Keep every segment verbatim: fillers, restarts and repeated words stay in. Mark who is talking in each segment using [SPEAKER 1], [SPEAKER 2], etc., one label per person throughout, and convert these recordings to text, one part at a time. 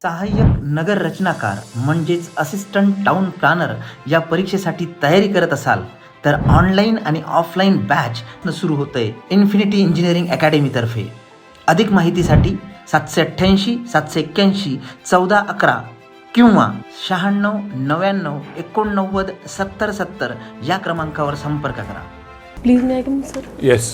[SPEAKER 1] सहाय्यक नगर रचनाकार म्हणजेच असिस्टंट टाउन प्लॅनर या परीक्षेसाठी तयारी करत असाल तर ऑनलाईन आणि ऑफलाईन बॅच सुरू होतंय इन्फिनिटी इंजिनिअरिंग अकॅडमीतर्फे. अधिक माहितीसाठी सातशे अठ्ठ्याऐंशी सातशे एक्क्याऐंशी चौदा अकरा किंवा शहाण्णव नव्याण्णव एकोणनव्वद सत्तर सत्तर या क्रमांकावर संपर्क करा.
[SPEAKER 2] Please may I come sir.
[SPEAKER 3] Yes.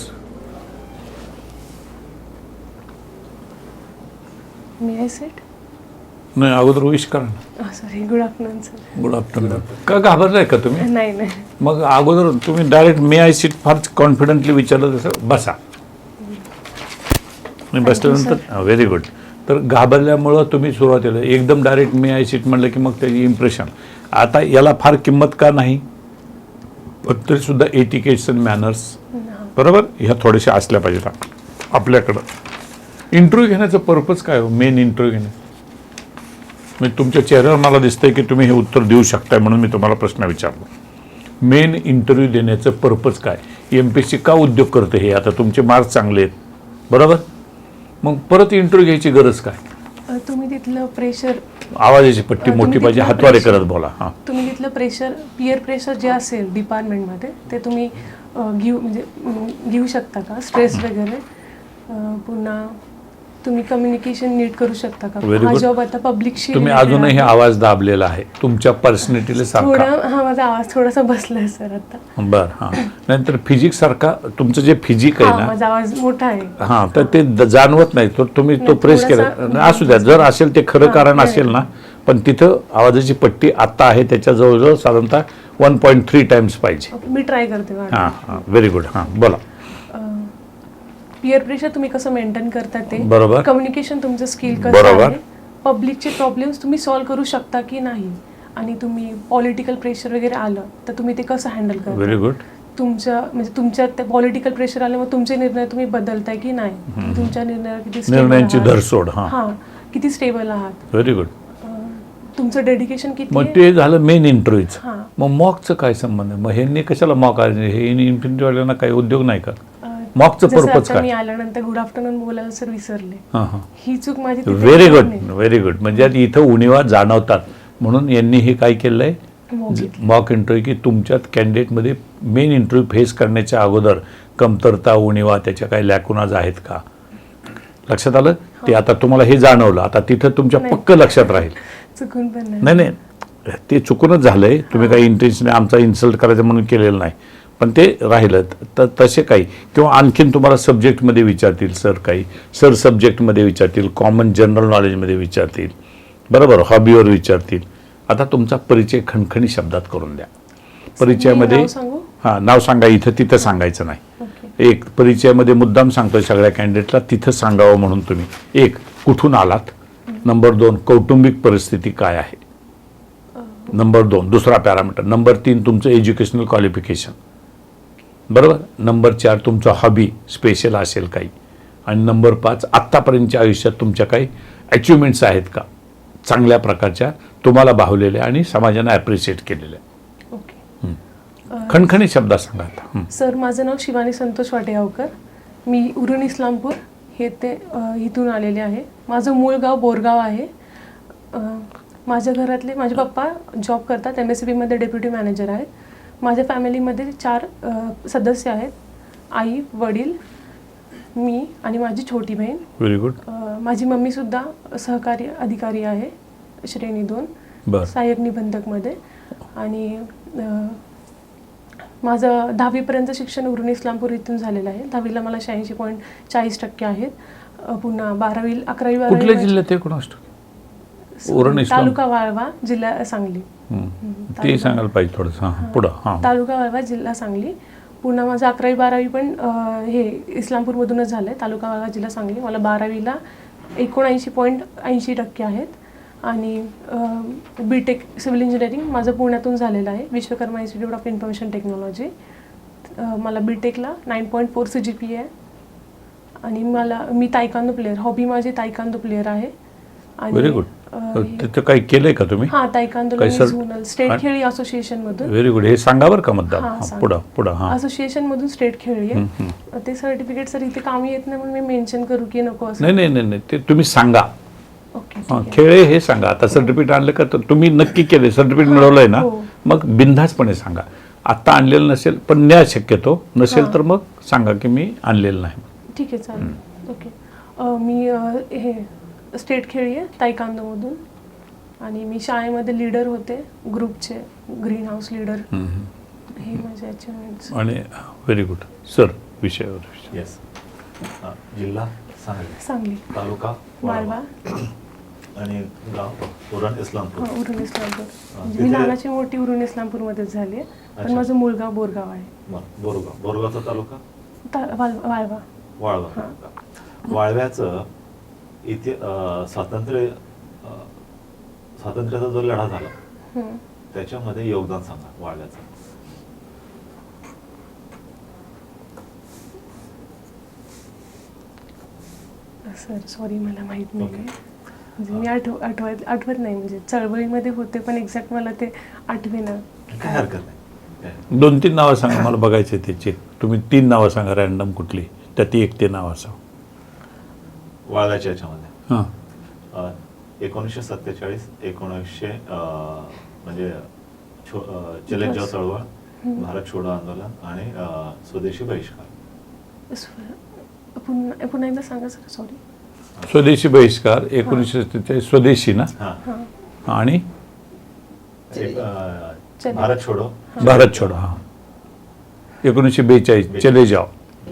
[SPEAKER 2] May I set.
[SPEAKER 3] नाही, अगोदर विश करा ना.
[SPEAKER 2] Sorry. Good afternoon sir.
[SPEAKER 3] Good afternoon. का घाबरलाय का तुम्ही?
[SPEAKER 2] नाही नाही.
[SPEAKER 3] मग अगोदर तुम्ही direct may I seat far confidently विचारलं तसं बसा. आणि बसल्यानंतर व्हेरी गुड. तर घाबरल्यामुळं तुम्ही सुरुवातीला एकदम डायरेक्ट मे आय सीट म्हणलं की मग त्याची इम्प्रेशन. आता याला फार किंमत का नाही? पण तरीसुद्धा एटिकेट्स अँड मॅनर्स बरोबर ह्या थोड्याशा असल्या पाहिजेत आपल्याकडं. इंटरव्ह्यू घेण्याचं पर्पज काय हो? मेन इंटरव्ह्यू घेणं म्हणजे तुमच्या चेहऱ्यावर मला दिसतंय की तुम्ही हे उत्तर देऊ शकताय म्हणून मी तुम्हाला प्रश्न विचारलो. मेन इंटरव्ह्यू देण्याचं पर्पज काय? एम पी एस सी का उद्योग करते हे? आता तुमचे मार्क्स चांगले आहेत बरोबर, मग परत इंटरव्ह्यू घ्यायची गरज काय?
[SPEAKER 2] तुम्ही तिथलं प्रेशर,
[SPEAKER 3] आवाजाची पट्टी मोठी पाहिजे, हातवारे करत बोला. हां,
[SPEAKER 2] तुम्ही तिथलं प्रेशर, पियर प्रेशर जे असेल डिपार्टमेंटमध्ये ते तुम्ही घेऊ म्हणजे घेऊ शकता का? स्ट्रेस वगैरे. पुन्हा तुम्ही कम्युनिकेशन नीट करू शकता का? हा जॉब आता पब्लिकशी.
[SPEAKER 3] तुम्ही अजूनही आवाज दाबलेला आहे, तुमच्या पर्सनॅलिटीला सारखा.
[SPEAKER 2] थोडा हा माझा आवाज थोडासा बसलाय सर आता.
[SPEAKER 3] बरं. हां, नंतर फिजिक्स सारखा तुमचं जे फिजिक आहे ना,
[SPEAKER 2] माझा आवाज मोठा आहे.
[SPEAKER 3] हां, तर ते जाणवत नाही. तर तुम्ही तो प्रेस केला असू द्या, जर असेल ते खरं कारण असेल ना, पण तिथं आवाजाची पट्टी आत्ता आहे त्याच्या जवळजवळ साधारणतः वन पॉईंट थ्री टाइम्स पाहिजे.
[SPEAKER 2] मी ट्राय करते.
[SPEAKER 3] हां हां, व्हेरी गुड. हां, बोला.
[SPEAKER 2] पियर प्रेशर तुम्ही कसं मेंटेन करता ते
[SPEAKER 3] बरोबर.
[SPEAKER 2] कम्युनिकेशन तुमचं स्किल कसं
[SPEAKER 3] बरोबर.
[SPEAKER 2] आहे, पब्लिकचे प्रॉब्लेम्स तुम्ही सॉल्व्ह करू शकता की नाही, आणि तुम्ही पॉलिटिकल प्रेशर वगैरे आलं तर तुम्ही ते कसं हँडल करता.
[SPEAKER 3] Very good.
[SPEAKER 2] तुमच्या म्हणजे तुमच्यात ते पॉलिटिकल प्रेशर आलं मग तुमचे निर्णय तुम्ही बदलताय की नाही, तुमच्या निर्णयावर किती stable
[SPEAKER 3] निर्णयांची
[SPEAKER 2] आहात.
[SPEAKER 3] धरसोड. हां,
[SPEAKER 2] हां, किती स्टेबल आहात,
[SPEAKER 3] व्हेरी गुड.
[SPEAKER 2] तुमचं डेडिकेशन किती
[SPEAKER 3] मग
[SPEAKER 2] आहे.
[SPEAKER 3] ते झालं मेन इंटरव्ह्यूच.
[SPEAKER 2] हां.
[SPEAKER 3] मग मॉकचं काय संबंध आहे? मग ह्यांनी कशाला मॉक आहे? हे इन्फिनिटीवाल्यांना काही उद्योग नाही का? मॉकचं
[SPEAKER 2] जसं
[SPEAKER 3] पर्पज
[SPEAKER 2] आता मी
[SPEAKER 3] काय?
[SPEAKER 2] आल्यानंतर गुड आफ्टरनून बोलायला सर विसरले.
[SPEAKER 3] हां हां,
[SPEAKER 2] ही चूक माझी तिथे
[SPEAKER 3] व्हेरी गुड
[SPEAKER 2] नाही.
[SPEAKER 3] Very good. म्हणजे आता इथं उणिवा जाणवतात म्हणून यांनी हे काय केलं आहे,
[SPEAKER 2] Mock घेतलं.
[SPEAKER 3] मॉक इंटरव्ह्यू, की तुमच्यात कॅन्डिडेटमध्ये मेन इंटरव्ह्यू फेस करण्याच्या अगोदर कमतरता, उणिवा, त्याच्या काही लॅकुनाज आहेत का लक्षात आलं? ते आता तुम्हाला हे जाणवलं, आता तिथं तुमच्या
[SPEAKER 2] नाही.
[SPEAKER 3] पक्क लक्षात राहील.
[SPEAKER 2] चुकून पण नाही.
[SPEAKER 3] नाही नाही, ते चुकूनच झालंय. तुम्ही काही इंटेन्शन आमचा इन्सल्ट करायचं म्हणून केलेलं नाही, पण ते राहिलं. तर तसे काही किंवा आणखीन तुम्हाला सब्जेक्टमध्ये विचारतील सर, काही सर सब्जेक्टमध्ये विचारतील, कॉमन जनरल नॉलेजमध्ये विचारतील बरोबर, हॉबीवर विचारतील. आता तुमचा परिचय खणखणी शब्दात करून द्या. परिचयामध्ये
[SPEAKER 2] नाव सांगू?
[SPEAKER 3] हां, नाव सांगा. इथं तिथं सांगायचं नाही.
[SPEAKER 2] ओके.
[SPEAKER 3] एक परिचयामध्ये मुद्दाम सांगतोय सगळ्या कॅन्डिडेटला तिथं सांगावं म्हणून तुम्ही. एक, कुठून आलात. नंबर दोन, कौटुंबिक परिस्थिती काय आहे. नंबर दोन, दुसरा पॅरामीटर. नंबर तीन, तुमचं एज्युकेशनल क्वालिफिकेशन बरोबर. नंबर चार, तुमचं हॉबी स्पेशल असेल काही. आणि नंबर पाच, आत्तापर्यंतच्या आयुष्यात तुमच्या काही अचिव्हमेंट्स आहेत का चांगल्या प्रकारच्या, तुम्हाला भावलेल्या आणि समाजाने ॲप्रिशिएट केलेल्या.
[SPEAKER 2] ओके.
[SPEAKER 3] खणखणी शब्दात सांगा आता. हं.
[SPEAKER 2] सर, माझं नाव शिवानी संतोष वाटेगावकर. मी उरण इस्लामपूर हे ते अ, इथून आलेले आहे. माझं मूळ गाव बोरगाव आहे. अ, माझ्या घरातले माझे पप्पा जॉब करतात, एम एस सी बीमध्ये डेप्युटी मॅनेजर आहेत. माझ्या फॅमिलीमध्ये चार अ, सदस्य आहेत. आई, वडील, मी आणि माझी छोटी बहीण.
[SPEAKER 3] Very good.
[SPEAKER 2] अ, माझी मम्मीसुद्धा सहकारी अधिकारी आहे, श्रेणी दोन,
[SPEAKER 3] बरं.
[SPEAKER 2] सहाय्यक निबंधकमध्ये. आणि अ, माझं दहावीपर्यंत शिक्षण उरण इस्लामपूर इथून झालेलं आहे. दहावीला मला शहाऐंशी पॉईंट चाळीस टक्के आहेत. अ, पुन्हा बारावी अकरावी
[SPEAKER 3] कुठल्या
[SPEAKER 2] बारावी
[SPEAKER 3] जिल्ह्यात ते कोण असतो? उरण इस्लाम.
[SPEAKER 2] तालुका वाळवा, जिल्हा सांगली.
[SPEAKER 3] हं. ते सांगायला पाहिजे थोडंसं. हां, पुढं. हां,
[SPEAKER 2] तालुका वाळवा, जिल्हा सांगली. पुन्हा माझं अकरावी बारावी पण अ, हे इस्लामपूरमधूनच झालं आहे, तालुका वाळवा, जिल्हा सांगली. मला बारावीला एकोणऐंशी पॉईंट ऐंशी टक्के आहेत. आणि बी टेक सिव्हिल इंजिनिअरिंग माझं पुण्यातून झालेलं आहे, Vishwakarma Institute of Information Technology. मला बी टेकला nine point four C G P आहे. आणि मला मी तायकांदो प्लेअर, हॉबी माझी तायकांदो प्लेअर आहे.
[SPEAKER 3] Very good. तिथं काही केलंय का तुम्ही?
[SPEAKER 2] हां, तायकांदोला झोनल स्टेट खेळी असोसिएशन मधून.
[SPEAKER 3] Very good. हे सांगा बरं का मुद्दा.
[SPEAKER 2] हां,
[SPEAKER 3] हां,
[SPEAKER 2] सांग.
[SPEAKER 3] पुढं पुढं. हां,
[SPEAKER 2] असोसिएशन मधून स्टेट खेळली आहे. ते सर्टिफिकेट सर इथे कामी येत नाही म्हणून मी मेन्शन करू की नको असं.
[SPEAKER 3] नाही नाही नाही नाही, ते तुम्ही सांगा.
[SPEAKER 2] ओके. ओके ठीक
[SPEAKER 3] हां
[SPEAKER 2] आहे.
[SPEAKER 3] खेळे हे सांगा. आता सर्टिफिकेट आणलं का तर तुम्ही नक्की केले सर्टिफिकेट मिळवलंय ना,
[SPEAKER 2] हो.
[SPEAKER 3] मग बिनधास्तपणे सांगा. आत्ता आणलेलं नसेल पण न्या शक्यतो नसेल
[SPEAKER 2] हां.
[SPEAKER 3] तर मग सांगा की मी आणलेलं नाही.
[SPEAKER 2] ठीक आहे चालेल. ओके अ, मी अ, हे स्टेट खेळी आहे तायकांदोमधून आणि मी शाळेमध्ये लीडर होते ग्रुपचे, ग्रीन हाऊस लीडर. हे माझे अचिव्हमेंट्स.
[SPEAKER 3] आणि व्हेरी गुड सर. विषयावर
[SPEAKER 4] येस. जिल्हा सांगली,
[SPEAKER 2] सांगली,
[SPEAKER 4] तालुका
[SPEAKER 2] वाळवा,
[SPEAKER 4] आणि गाव उरण इस्लामपूर.
[SPEAKER 2] हां उरण इस्लामपूर. म्हणजे
[SPEAKER 4] तिथे-
[SPEAKER 2] मी लहानाची मोठी उरण इस्लामपूरमध्येच झाली आहे, पण
[SPEAKER 4] अच्छा.
[SPEAKER 2] माझं मूळगाव बोरगाव आहे.
[SPEAKER 4] बरं, बोरगाव. बोरगावचा तालुका
[SPEAKER 2] ता- वाल- वाळवा.
[SPEAKER 4] वाळवा
[SPEAKER 2] हां.
[SPEAKER 4] तालुका. वाळव्याचं इथे अं, स्वातंत्र्य अं, स्वातंत्र्याचा जो लढा झाला
[SPEAKER 2] हं.
[SPEAKER 4] त्याच्यामध्ये योगदान सांगा वाळव्याचं.
[SPEAKER 2] सर सॉरी मला माहीत नाही
[SPEAKER 4] ओके.
[SPEAKER 2] आहे. म्हणजे मी आठव आठवत आठवत नाही, म्हणजे चळवळीमध्ये होते पण एक्झॅक्ट मला ते आठवेना.
[SPEAKER 4] काय हरकत नाही. काय?
[SPEAKER 3] दोन तीन नावं सांगा मला बघायचे त्याचे. तुम्ही तीन नावं सांगा रॅन्डम कुठली त्यात एक ते नाव असावं.
[SPEAKER 4] वाळव्याच्या याच्यामध्ये
[SPEAKER 3] हां
[SPEAKER 4] अं, एकोणीसशे सत्तेचाळीस एकोणीसशे अं, म्हणजे छो अं, चले जाव चळवळ, भारत छोडो आंदोलन आणि अं, स्वदेशी बहिष्कार.
[SPEAKER 2] स्व- पुन्हा पुन्हा एकदा सांगा सर सॉरी.
[SPEAKER 3] स्वदेशी बहिष्कार एकोणीसशे सत्तेचाळीस स्वदेशी ना.
[SPEAKER 4] हां.
[SPEAKER 2] हां
[SPEAKER 3] आणि
[SPEAKER 4] एक, अं,
[SPEAKER 2] चले.
[SPEAKER 4] भारत छोडो.
[SPEAKER 3] भारत छोडो हां एकोणीसशे बेचाळीस चले जाओ.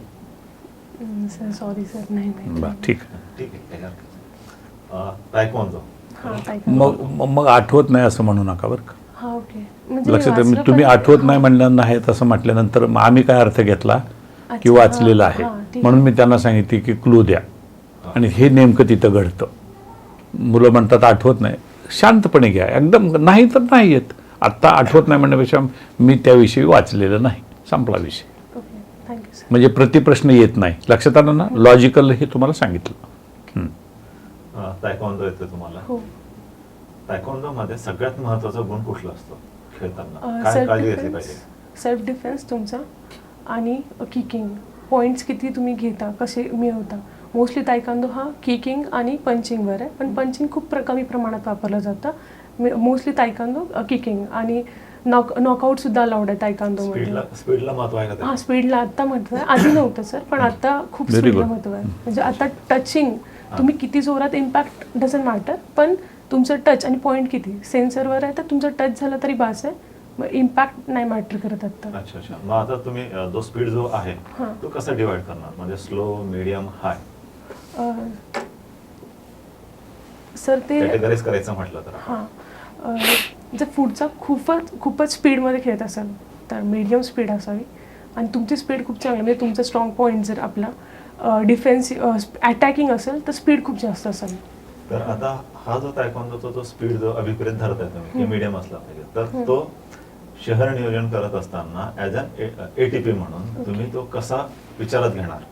[SPEAKER 2] हं, सर सॉरी सर नाही माहिती.
[SPEAKER 3] बरं ठीक आहे.
[SPEAKER 4] ठीक आहे, काही हरकत नाही. अं, तायक्वॉन्दो.
[SPEAKER 2] हां तायकांदो.
[SPEAKER 3] मग मग- मग आठवत नाही असं म्हणू नका बरं का.
[SPEAKER 2] हां ओके. म्हणजे
[SPEAKER 3] लक्षात
[SPEAKER 2] वाचलं
[SPEAKER 3] ठेवा, तुम्ही
[SPEAKER 2] पण-
[SPEAKER 3] आठवत नाही म्हणलं नाहीत असं म्हटल्यानंतर मग आम्ही काय अर्थ घेतला की
[SPEAKER 2] अच्छा,
[SPEAKER 3] वाचलेलं
[SPEAKER 2] हां,
[SPEAKER 3] आहे
[SPEAKER 2] हां, ठीक
[SPEAKER 3] म्हणून मी त्यांना सांगितले की क्लू द्या. आणि हे नेमकं तिथं घडतं. मुलं म्हणतात आठवत नाही, शांतपणे घ्या एकदम. नाही तर नाही येत. आत्ता आठवत नाही म्हणण्यापेक्षा मी त्याविषयी वाचलेलं नाही, संपला विषय.
[SPEAKER 2] Okay thank you sir.
[SPEAKER 3] म्हणजे प्रतिप्रश्न येत नाही. लक्षात आलं ना. लॉजिकल हे तुम्हाला सांगितलं. हं.
[SPEAKER 4] अं, तायक्वॉन्दो येतो तुम्हाला.
[SPEAKER 2] हो.
[SPEAKER 4] तायक्वॉन्दो मध्ये सगळ्यात महत्वाचा गुण कुठला असतो खेळताना? काय
[SPEAKER 2] सेल्फ
[SPEAKER 4] काळजी घेतली
[SPEAKER 2] डिफेन्स
[SPEAKER 4] पाहिजे?
[SPEAKER 2] सेल्फ डिफेन्स तुमचा आणि किकिंग पॉईंट्स किती तुम्ही घेता, कसे मिळवता. मोस्टली तायकांदो हा किकिंग आणि पंचिंगवर आहे, पण पंचिंग खूप प्र कमी प्रमाणात वापरलं जातं. मोस्टली तायकांदो किकिंग आणि नॉक नॉकआउटसुद्धा अलाउड आहे तायकांदोमध्ये.
[SPEAKER 4] स्पीडला स्पीडला महत्व आहे का
[SPEAKER 2] हां
[SPEAKER 4] त्यात?
[SPEAKER 2] स्पीडला आत्ता महत्त्व आहे, आधी नव्हतं सर, पण आता खूप
[SPEAKER 3] Very
[SPEAKER 2] स्पीडला
[SPEAKER 3] good.
[SPEAKER 2] महत्त्व आहे. म्हणजे आता टचिंग तुम्ही किती जोरात इम्पॅक्ट डझंट मॅटर, पण तुमचं टच आणि पॉईंट किती सेन्सरवर आहे, तर तुमचं टच झालं तरी बास आहे. मग इम्पॅक्ट नाही मॅटर करत आत्ता.
[SPEAKER 4] अच्छा अच्छा. मग आता तुम्ही अं, जो स्पीड जो आहे
[SPEAKER 2] हां.
[SPEAKER 4] तो कसा डिवाइड करणार? म्हणजे स्लो, मीडियम, हाय
[SPEAKER 2] अं, सर ते
[SPEAKER 4] कॅटेगराईज करायचं म्हटलं तर?
[SPEAKER 2] हां अं, जर पुढचा खूपच खूपच स्पीडमध्ये खेळत असाल तर मीडियम स्पीड असावी. आणि तुमची स्पीड खूप चांगली म्हणजे तुमचा स्ट्रॉंग पॉईंट जर आपला डिफेन्स अटॅकिंग असेल तर स्पीड खूप जास्त असावी.
[SPEAKER 4] तर आता हा जो तायक्वॉन्दोचा जो स्पीड जो अभिप्रेत धरताय तुम्ही की मीडियम असला पाहिजे, तर तो शहर नियोजन करत असताना ऍज अन एटीपी म्हणून तुम्ही तो कसा विचारात घेणार?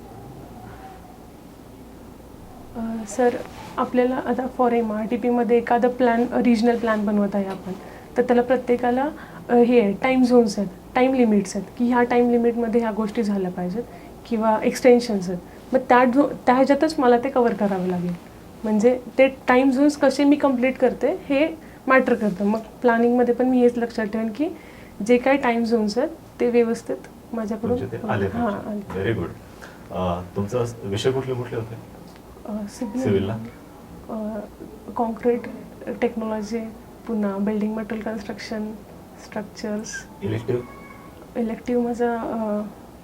[SPEAKER 2] अं, सर आपल्याला आता फॉर एम आर टी पीमध्ये एखादं प्लॅन रिजनल प्लॅन बनवत आहे आपण, तर त्याला प्रत्येकाला अं, हे आहे टाईम झोन्स आहेत, टाईम लिमिट्स आहेत की ह्या टाईम लिमिटमध्ये ह्या गोष्टी झाल्या पाहिजेत किंवा एक्सटेन्शन्स आहेत. मग त्या झो त्या ह्याच्यातच मला ते कवर करावं लागेल. म्हणजे ते टाईम झोन्स कसे मी कंप्लीट करते हे मॅटर करतं. मग प्लॅनिंगमध्ये पण मी हेच लक्षात ठेवेन की जे काही टाईम झोन्स आहेत ते व्यवस्थित माझ्याकडून
[SPEAKER 4] तुमचे ते आले
[SPEAKER 2] हां
[SPEAKER 4] पाहिजे. Very good. तुमचा विषय कुठले कुठले होते सिव्हिलला?
[SPEAKER 2] कॉन्क्रीट टेक्नॉलॉजी, पुन्हा building material construction, structures.
[SPEAKER 4] Elective?
[SPEAKER 2] Elective माझं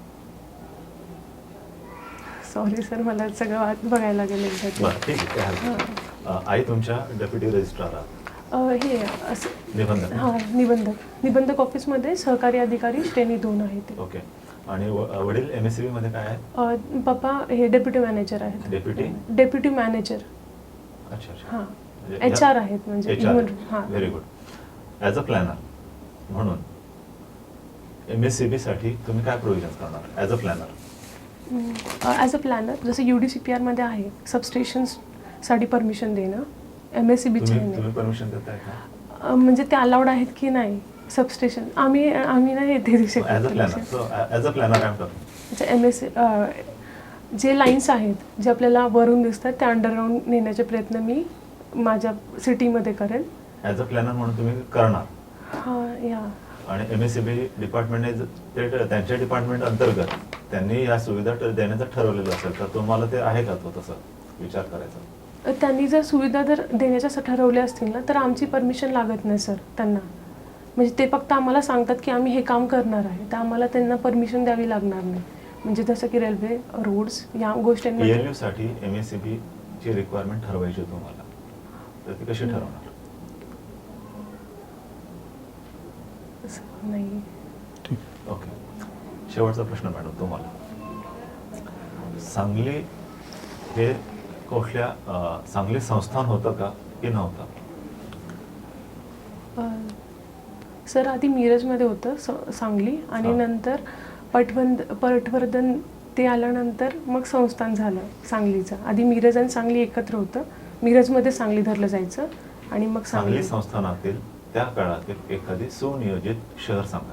[SPEAKER 2] सॉरी सर मला सगळं वाट बघायला लागेल एकदा ते.
[SPEAKER 4] बरं ठीक आहे, काय हरकत नाही. अं, आई तुमच्या डेप्युटी रजिस्ट्रार आहात,
[SPEAKER 2] अं, हे असं
[SPEAKER 4] निबंधक.
[SPEAKER 2] हां निबंधक निबंधक ऑफिसमध्ये सहकारी अधिकारी श्रेणी दोन आहे ते.
[SPEAKER 4] ओके. आणि व- वडील एम एस सी बी मध्ये काय आहे?
[SPEAKER 2] अं, पप्पा हे डेप्युटी मॅनेजर आहेत.
[SPEAKER 4] डेप्युटी?
[SPEAKER 2] डेप्युटी मॅनेजर
[SPEAKER 4] अच्छा अच्छा.
[SPEAKER 2] हां
[SPEAKER 4] म्हणजे
[SPEAKER 2] एच आर आहेत म्हणजे human- हां
[SPEAKER 4] very good. As a planner म्हणून एम एस सी बी साठी तुम्ही काय प्रोव्हिजन्स करणार as a planner?
[SPEAKER 2] As a planner जसं यू डी सी पी आरमध्ये आहे सबस्टेशन्ससाठी परमिशन देणं, एम एस सी बीचे
[SPEAKER 4] तुम्ही तुम्ही परमिशन देताय का?
[SPEAKER 2] म्हणजे ते अलाउड आहेत की नाही सबस्टेशन. आम्ही आम्ही नाही हे देऊ
[SPEAKER 4] ॲज अ प्लॅनर.
[SPEAKER 2] शकतो.
[SPEAKER 4] So as a planner I am talking.
[SPEAKER 2] अच्छा एम एस जे लाईन्स आहेत जे आपल्याला वरून दिसतात त्या अंडरग्राऊंड नेण्याचे प्रयत्न मी माझ्या सिटीमध्ये करेन.
[SPEAKER 4] ॲज अ प्लॅनर म्हणून तुम्ही करणार.
[SPEAKER 2] हां या
[SPEAKER 4] आणि एम एस सी बी डिपार्टमेंटने ज- ते ट- त्यांच्या डिपार्टमेंट अंतर्गत त्यांनी या सुविधा ट- देण्याचं ठरवलेलं असेल तर तुम्हाला ते आहे का तो तसं विचार करायचा?
[SPEAKER 2] त्यांनी जर सुविधा जर देण्याच्या स- ठरवल्या असतील ना तर आमची परमिशन लागत नाही सर त्यांना. म्हणजे ते फक्त आम्हाला सांगतात की आम्ही हे काम करणार आहे, तर आम्हाला त्यांना परमिशन द्यावी लागणार नाही. म्हणजे जसं की रेल्वे, रोड्स या गोष्टींमध्ये
[SPEAKER 4] पीएलयू साठी एम एस सी बी ची रिक्वायरमेंट ठरवायची तुम्हाला, तर ती कशी ठरवणार?
[SPEAKER 2] असं नाही.
[SPEAKER 4] ओके. शेवटचा प्रश्न मॅडम तुम्हाला. सांगली हे कुठल्या अं, सांगली संस्थान होतं का की नव्हतं?
[SPEAKER 2] अं, सर आधी मिरजमध्ये होतं स- सांगली आणि
[SPEAKER 4] हा.
[SPEAKER 2] नंतर पटवंद पटवर्धन ते आल्यानंतर मग संस्थान झालं सांगलीचं. आधी मिरज आणि सांगली एकत्र होतं. मिरजमध्ये सांगली धरलं जायचं आणि मग
[SPEAKER 4] सांगली
[SPEAKER 2] सांगली.
[SPEAKER 4] संस्थानातील त्या काळातील एखादी सुनियोजित शहर सांगा.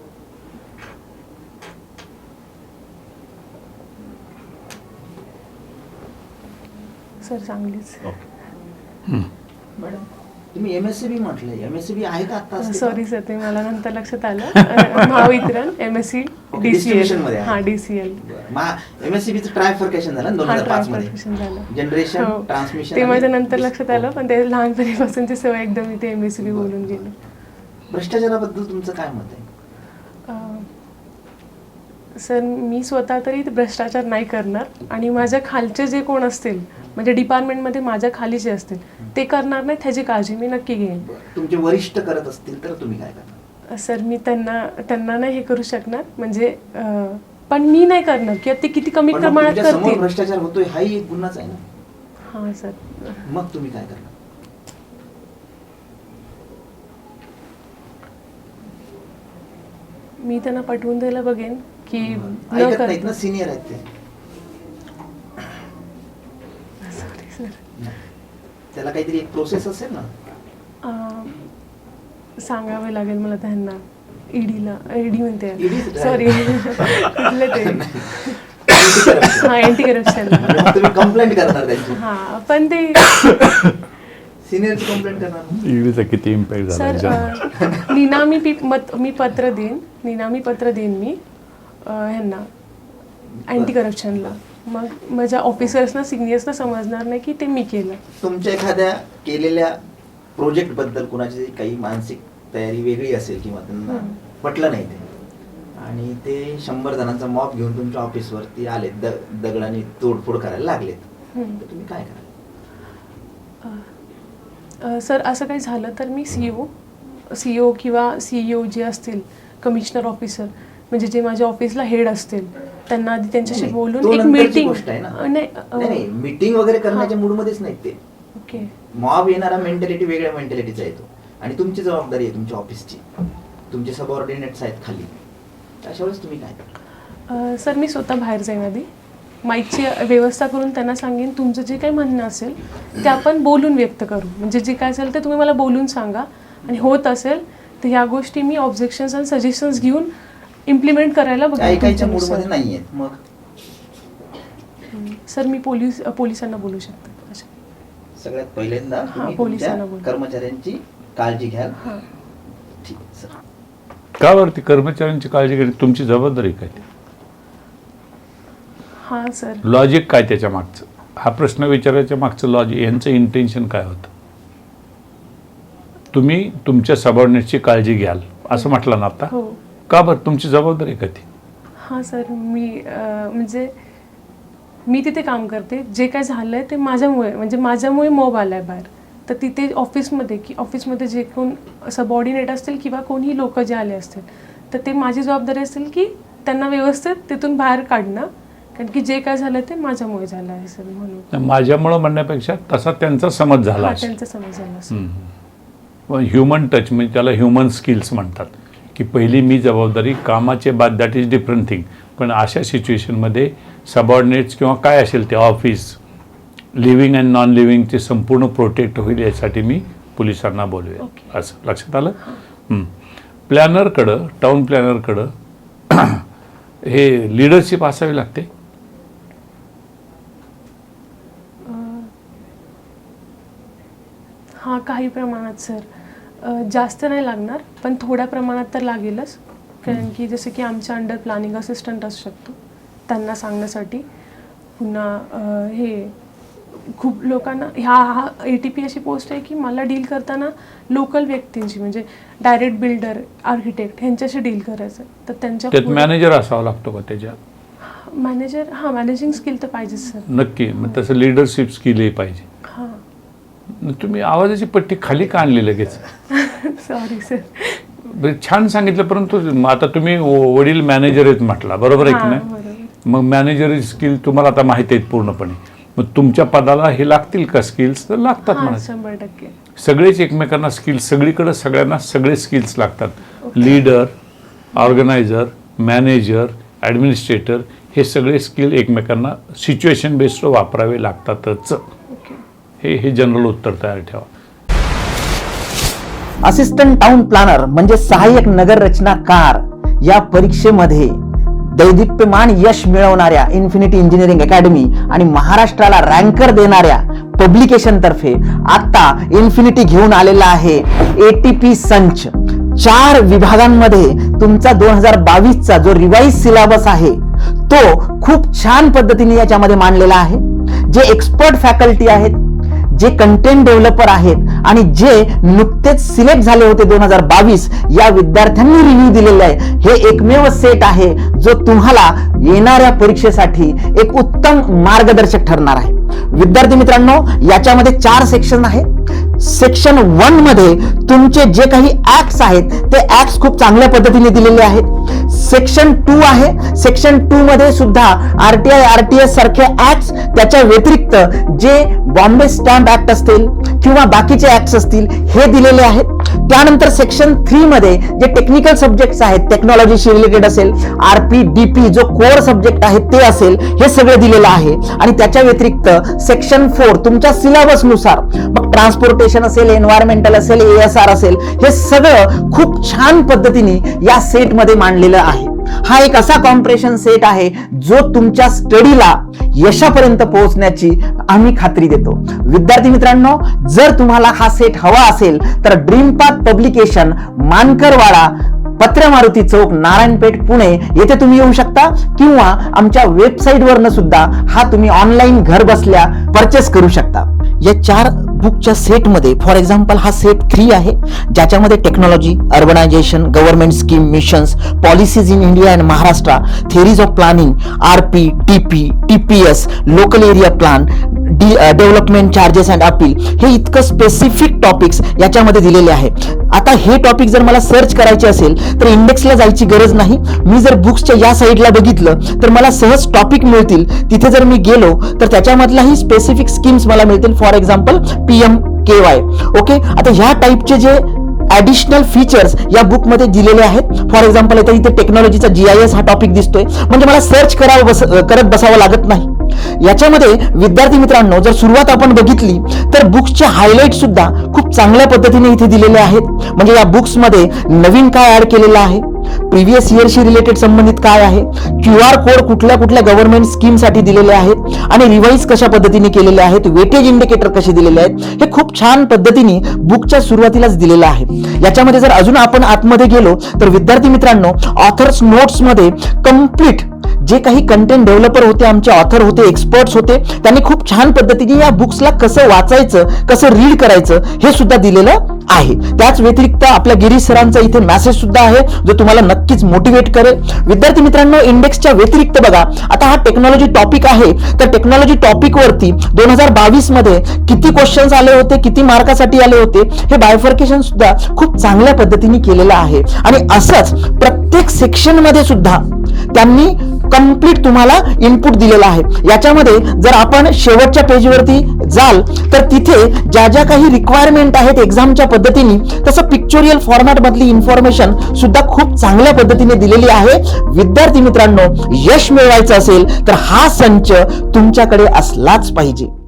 [SPEAKER 2] सर सांगलीच.
[SPEAKER 4] ओके.
[SPEAKER 1] मॅडम तुम्ही एम एस सी बी म्हटलंय, एम एस सी बी आहे का आता?
[SPEAKER 2] सॉरी सर, ते मला नंतर लक्षात आलं. अं, Mahavitaran M S C
[SPEAKER 1] Okay,
[SPEAKER 2] D C L.
[SPEAKER 1] distribution मध्ये आहे.
[SPEAKER 2] हां D C L.
[SPEAKER 1] M S C बीचं ट्रायफर्केशन झालं दोन
[SPEAKER 2] हा
[SPEAKER 1] हजार पाच
[SPEAKER 2] ट्रान्सफॉर्मेशन
[SPEAKER 1] मध्ये.
[SPEAKER 2] झालं.
[SPEAKER 1] जनरेशन,
[SPEAKER 2] हो.
[SPEAKER 1] ट्रान्समिशन.
[SPEAKER 2] ते माझ्या नंतर लक्षात आलं, पण ते लहानपणीपासूनची सवय एकदम मी ते एम एस सी बी बोलून गेले.
[SPEAKER 1] भ्रष्टाचाराबद्दल तुमचं काय मत आहे?
[SPEAKER 2] अं, सर मी स्वतः तरी भ्रष्टाचार नाही करणार आणि माझ्या खालचे जे कोण असतील म्हणजे डिपार्टमेंटमध्ये माझ्या खाली जे असतील ते करणार नाही, त्याची काळजी मी नक्की घेईन.
[SPEAKER 1] तुमचे वरिष्ठ करत असतील तर तुम्ही काय करणार?
[SPEAKER 2] सर मी त्यांना त्यांना नाही हे करू शकणार म्हणजे अं, पण मी नाही करणार किंवा ते किती कमी
[SPEAKER 1] पण मग
[SPEAKER 2] प्रमाणात
[SPEAKER 1] तुमच्या समोर
[SPEAKER 2] करतील.
[SPEAKER 1] भ्रष्टाचार होतोय हाही एक गुन्हाच आहे ना.
[SPEAKER 2] हां सर.
[SPEAKER 1] मग तुम्ही काय करणार?
[SPEAKER 2] मी त्यांना पटवून द्यायला बघेन की न
[SPEAKER 1] ऐकत नाहीत
[SPEAKER 2] कर.
[SPEAKER 1] ना, सिनियर आहेत ते.
[SPEAKER 2] Sorry sir.
[SPEAKER 1] त्याला काहीतरी एक प्रोसेस असेल ना.
[SPEAKER 2] अं, सांगावे लागेल मला त्यांना. ईडीला ईडी म्हणते
[SPEAKER 1] E D च
[SPEAKER 2] सॉरी कुठले ते
[SPEAKER 1] Anti-corruption.
[SPEAKER 2] हां अँटी करप्शन.
[SPEAKER 1] म्हणजे मग तुम्ही कंप्लेंट करणार त्यांची.
[SPEAKER 2] हां पण ते
[SPEAKER 1] सिनियरची कंप्लेंट करणार ना?
[SPEAKER 3] ईडीचा किती इम्पॅक्ट
[SPEAKER 2] सर
[SPEAKER 3] झाला?
[SPEAKER 2] अं, निनामी पी मत मी पत्र देईन निनामी पत्र देईन मी अं, ह्यांना अँटी करप्शनला. मग माझ्या ऑफिसर्सना सिनियर्सना समजणार नाही की ते मी केलं.
[SPEAKER 1] तुमच्या एखाद्या केलेल्या प्रोजेक्ट बद्दल कुणाची काही मानसिक तयारी वेगळी असेल किंवा त्यांना
[SPEAKER 2] हम्म.
[SPEAKER 1] पटलं नाही ते आणि ते शंभर जणांचा मॉप घेऊन तुमच्या ऑफिसवरती आले, द दगडाने तोडफोड करायला लागलेत,
[SPEAKER 2] हम्म.
[SPEAKER 1] तर तुम्ही काय कराल?
[SPEAKER 2] अ, सर असं काही झालं तर मी सी ओ सी ओ किंवा सीईओ जे असतील कमिशनर ऑफिसर म्हणजे जे माझ्या ऑफिसला हेड असतील त्यांना आधी त्यांच्याशी
[SPEAKER 1] नाही,
[SPEAKER 2] बोलून
[SPEAKER 1] तो
[SPEAKER 2] एक
[SPEAKER 1] नंतरची
[SPEAKER 2] मीटिंग.
[SPEAKER 1] गोष्ट आहे ना.
[SPEAKER 2] नाही अ,
[SPEAKER 1] नाही नाही, मीटिंग वगैरे करण्याच्या
[SPEAKER 2] हा.
[SPEAKER 1] मूडमध्येच नाहीत ते.
[SPEAKER 2] ओके.
[SPEAKER 1] मॉब येणारा मेंटॅलिटी वेगळ्या मेंटॅलिटीचा येतो आणि तुमची जबाबदारी आहे तुमच्या ऑफिसची, तुमचे सबऑर्डिनेट्स आहेत खाली, अशा वेळेस तुम्ही काय करता?
[SPEAKER 2] अ, सर मी स्वतः बाहेर जाईन आधी माईकची व्यवस्था करून त्यांना सांगेन तुमचं जे काही म्हणणं असेल ते आपण बोलून व्यक्त करू. म्हणजे जे काय असेल ते तुम्ही मला बोलून सांगा आणि होत असेल तर ह्या गोष्टी मी ऑब्जेक्शन्स आणि सजेशन्स घेऊन इम्प्लिमेंट करायला
[SPEAKER 1] त्या
[SPEAKER 2] बघेन
[SPEAKER 1] ऐकायच्या
[SPEAKER 2] तुमच्यानुसार.
[SPEAKER 1] मूडमध्ये नाही आहेत मग
[SPEAKER 2] सर मी पोलीस पोलिसांना बोलू शकते. अच्छा.
[SPEAKER 1] सगळ्यात पहिल्यांदा
[SPEAKER 2] हा,
[SPEAKER 1] तुम्ही
[SPEAKER 2] पोलिसांना
[SPEAKER 1] तुमच्या
[SPEAKER 2] बोल.
[SPEAKER 1] कर्मचाऱ्यांची काळजी घ्याल.
[SPEAKER 2] हां.
[SPEAKER 1] ठीक आहे, सर.
[SPEAKER 3] का वरती कर्मचाऱ्यांची काळजी घेणे तुमची जबाबदारी काय?
[SPEAKER 2] हां सर.
[SPEAKER 3] लॉजिक काय त्याच्या मागचं? हा प्रश्न विचारायच्या मागचं लॉजिक, यांचं इंटेन्शन काय होतं? तुम्ही तुमच्या सबऑर्डिनेटची काळजी घ्याल असं म्हटलं ना आता.
[SPEAKER 2] हो.
[SPEAKER 3] का बरं तुमची जबाबदारी का ती?
[SPEAKER 2] हां सर मी अं, म्हणजे मी तिथे काम करते. जे काय झालं आहे ते माझ्यामुळे म्हणजे माझ्यामुळे मॉब आला आहे बाहेर. तर तिथे ऑफिसमध्ये की ऑफिसमध्ये जे कोण सबऑर्डिनेट असतील किंवा कोणीही लोक जे आले असतील तर ते माझी जबाबदारी असेल की त्यांना व्यवस्थित तिथून बाहेर काढणं. कारण की जे काय झालं ते माझ्यामुळे झालं आहे सर म्हणून.
[SPEAKER 3] माझ्यामुळं म्हणण्यापेक्षा तसा त्यांचा समज झाला
[SPEAKER 2] हां
[SPEAKER 3] असेल.
[SPEAKER 2] त्यांचा समज झाला असेल.
[SPEAKER 3] पण ह्युमन टच म्हणजे त्याला ह्युमन स्किल्स म्हणतात की पहिली मी जबाबदारी कामाचे बाद, दॅट इज डिफरंट थिंग. पण अशा सिच्युएशनमध्ये सबऑर्डिनेट्स किंवा काय असेल ते ऑफिस लिव्हिंग अँड नॉन लिव्हिंगचे संपूर्ण प्रोटेक्ट होईल यासाठी मी पोलिसांना बोलवेन.
[SPEAKER 2] Okay.
[SPEAKER 3] असं लक्षात आलं? हं. प्लॅनरकडं टाऊन प्लॅनरकडं हे लिडरशिप असावी लागते.
[SPEAKER 2] अं, काही प्रमाणात सर, जास्त नाही लागणार पण थोड्या प्रमाणात तर लागेलच. कारण की जसं की आमच्या अंडर प्लॅनिंग असिस्टंट असू शकतो त्यांना सांगण्यासाठी. पुन्हा हे खूप लोकांना ह्या हा ए टी पी अशी पोस्ट आहे की मला डील करताना लोकल व्यक्तींची म्हणजे डायरेक्ट बिल्डर, आर्किटेक्ट ह्यांच्याशी डील करायचं. तर त्यांच्या
[SPEAKER 3] त्यात मॅनेजर असावा लागतो का त्याच्यात?
[SPEAKER 2] मॅनेजर हां, मॅनेजिंग स्किल तर पाहिजे सर.
[SPEAKER 3] नक्की, मग तसं लिडरशिप स्किलही पाहिजे.
[SPEAKER 2] हां.
[SPEAKER 3] तुम्ही आवाजाची पट्टी खाली का आणली लगेच?
[SPEAKER 2] Sorry sir.
[SPEAKER 3] छान सांगितलं, परंतु आता तुम्ही वडील मॅनेजर आहेत म्हटला, बरोबर आहे की नाही? मग मॅनेजर स्किल तुम्हाला आता माहिती आहेत पूर्णपणे. मग तुमच्या पदाला हे लागतील का स्किल्स? तर लागतात म्हणा,
[SPEAKER 2] शंभर टक्के.
[SPEAKER 3] सगळेच एकमेकांना स्किल्स, सगळीकडे सगळ्यांना सगळे स्किल्स लागतात. लीडर, ऑर्गनायझर, मॅनेजर, ॲडमिनिस्ट्रेटर हे सगळे स्किल एकमेकांना सिच्युएशन बेस्ड वापरावे लागतातच. हे हे जनरल उत्तर तयार ठेवा.
[SPEAKER 1] असिस्टंट टाउन प्लॅनर म्हणजे सहाय्यक नगर रचनाकार या परीक्षेमध्ये दैदिप्यमान यश मिळवणाऱ्या इन्फिनिटी इंजिनिअरिंग अकॅडमी आणि महाराष्ट्राला रँकर देणाऱ्या पब्लिकेशन तर्फे आता इन्फिनिटी घेऊन आलेला आहे एटीपी संच. चार विभागांमध्ये तुमचा दोन हजार बावीस चा जो रिवाइज सिलेबस आहे तो खूप छान पद्धतीने याच्यामध्ये मांडलेला आहे. जे एक्सपर्ट फॅकल्टी आहेत, जे कंटेंट डेव्हलपर आहेत आणि जे नुकतेच सिलेक्ट झाले होते दोन हजार बावीस या विद्यार्थ्यांनी रिव्ह्यू दिलेला आहे, हे एकमेव सेट आहे जो तुम्हाला येणाऱ्या परीक्षेसाठी एक उत्तम मार्गदर्शक ठरणार आहे. विद्यार्थी मित्रांनो, याच्यामध्ये चार सेक्शन आहे. सेक्शन वन मध्ये तुमचे जे काही ऍक्ट्स आहेत ते ऍक्ट्स खूप चांगल्या पद्धतीने दिलेले आहेत. सेक्शन टू आहे. सेक्शन टू मध्ये सुद्धा आरटीआय आरटीएस सारखे ऍक्ट्स, त्याच्या व्यतिरिक्त जे बॉम्बे स्टॅम्प ऍक्ट असतील किंवा बाकीचे ऍक्ट्स असतील हे दिलेले आहेत. त्यानंतर सेक्शन थ्री मध्ये जे टेक्निकल सब्जेक्ट्स आहेत, टेक्नॉलॉजीशी रिलेटेड असेल, आरपी डीपी जो कोर सब्जेक्ट आहे ते असेल, हे सगळं दिलेलं आहे. आणि त्याच्या व्यतिरिक्त सेक्शन फोर तुमच्या सिलेबस नुसार, मग ट्रान्सपोर्टेशन असेल, एन्व्हायरमेंटल असेल, एएसआर असेल, हे सगळं खूप छान पद्धतीने या सेट मध्ये मांडलेलं आहे. हा एक असा कॉम्प्रेशन सेट आहे जो तुमच्या स्टडीला यशापर्यंत पोहोचण्याची आम्ही खात्री देतो. विद्यार्थी मित्रांनो, जर तुम्हाला हा सेट हवा असेल तर ड्रीम पाथ पब्लिकेशन, मानकरवाडा, पत्र मारुती चौक, नारायणपेठ, पुणे येथे तुम्ही येऊ शकता किंवा आमच्या वेबसाईटवरनं सुद्धा हा तुम्ही ऑनलाईन घर बसल्या परचेस करू शकता. या चार बुकच्या सेटमध्ये फॉर एक्झाम्पल हा सेट थ्री आहे, ज्याच्यामध्ये technology, urbanisation, government scheme, missions, policies in India and Maharashtra, theories of planning, RP, TP, TPS, local area plan, development charges and appeal, हे इतकं स्पेसिफिक टॉपिक्स याच्यामध्ये दिलेले आहे. आता हे टॉपिक जर मला सर्च करायचे असेल तर इंडेक्सला जायची गरज नाही. मी जर बुक्सच्या या साईडला बघितलं तर मला सहज टॉपिक मिळतील. तिथे जर मी गेलो तर त्याच्यामधलाही स्पेसिफिक स्कीम्स मला मिळतील. For example PM K Y. Okay, आता ह्या टाईपचे जे ऍडिशनल फीचर्स या बुक मध्ये दिलेले आहेत. फॉर एक्झाम्पल आता इथे टेक्नॉलॉजीचा जीआयएस हा टॉपिक दिसतोय, म्हणजे मला सर्च करावं बस करत बसावं लागत नाही. याच्यामध्ये विद्यार्थी मित्रांनो, जर सुरुवात आपण बघितली तर बुक्सचे हायलाइट सुद्धा खूप चांगल्या पद्धतीने इथे दिलेले आहेत. म्हणजे या बुक्स मध्ये नवीन काय ऍड केलेलं आहे, प्रिव्हियस इयरशी रिलेटेड संबंधित काय आहे, क्यू आर कोड कुठल्या कुठल्या गव्हर्नमेंट स्कीम साठी दिलेले आहेत आणि रिवाइज कशा पद्धतीने केलेले आहेत, वेटेज इंडिकेटर कसे दिलेले आहेत, हे खूप छान पद्धतीने बुकच्या सुरुवातीलाच दिलेलं आहे. याच्यामध्ये जर अजून आपण आतमध्ये गेलो तर विद्यार्थी मित्रांनो, ऑथर्स नोट्स मध्ये कम्प्लीट जे काही कंटेंट डेव्हलपर होते, आमचे ऑथर होते, एक्सपर्ट्स होते, त्यांनी खूप छान पद्धतीने या बुक्सला कसं वाचायचं, कसं रीड करायचं हे सुद्धा दिलेलं आहे. त्याच व्यतिरिक्त आपल्या गिरीश सरांचा इथे मेसेज सुद्धा आहे जो तुम्हाला नक्कीच मोटिवेट करेल. विद्यार्थी मित्रांनो, इंडेक्सच्या व्यतिरिक्त बघा, आता हा टेक्नॉलॉजी टॉपिक आहे, तर टेक्नॉलॉजी टॉपिक वरती दोन हजार बावीस मध्ये किती क्वेश्चन्स आले होते, किती मार्कासाठी आले होते, हे बायफर्केशन सुद्धा खूप चांगल्या पद्धतीने केलेलं आहे. आणि असंच प्रत्येक सेक्शन मध्ये सुद्धा त्यांनी कंप्लीट तुम्हाला इनपुट दिलेला आहे. याच्यामध्ये जर आपण शेवटच्या पेजवरती जाल तर तिथे ज्या ज्या काही रिक्वायरमेंट आहेत एक्झामच्या पद्धतीने, तसं पिक्चोरियल फॉर्मॅट मधली इन्फॉर्मेशन सुद्धा खूप चांगल्या पद्धतीने दिलेली आहे. विद्यार्थी मित्रांनो, यश मिळवायचं असेल तर हा संच तुमच्याकडे असलाच पाहिजे.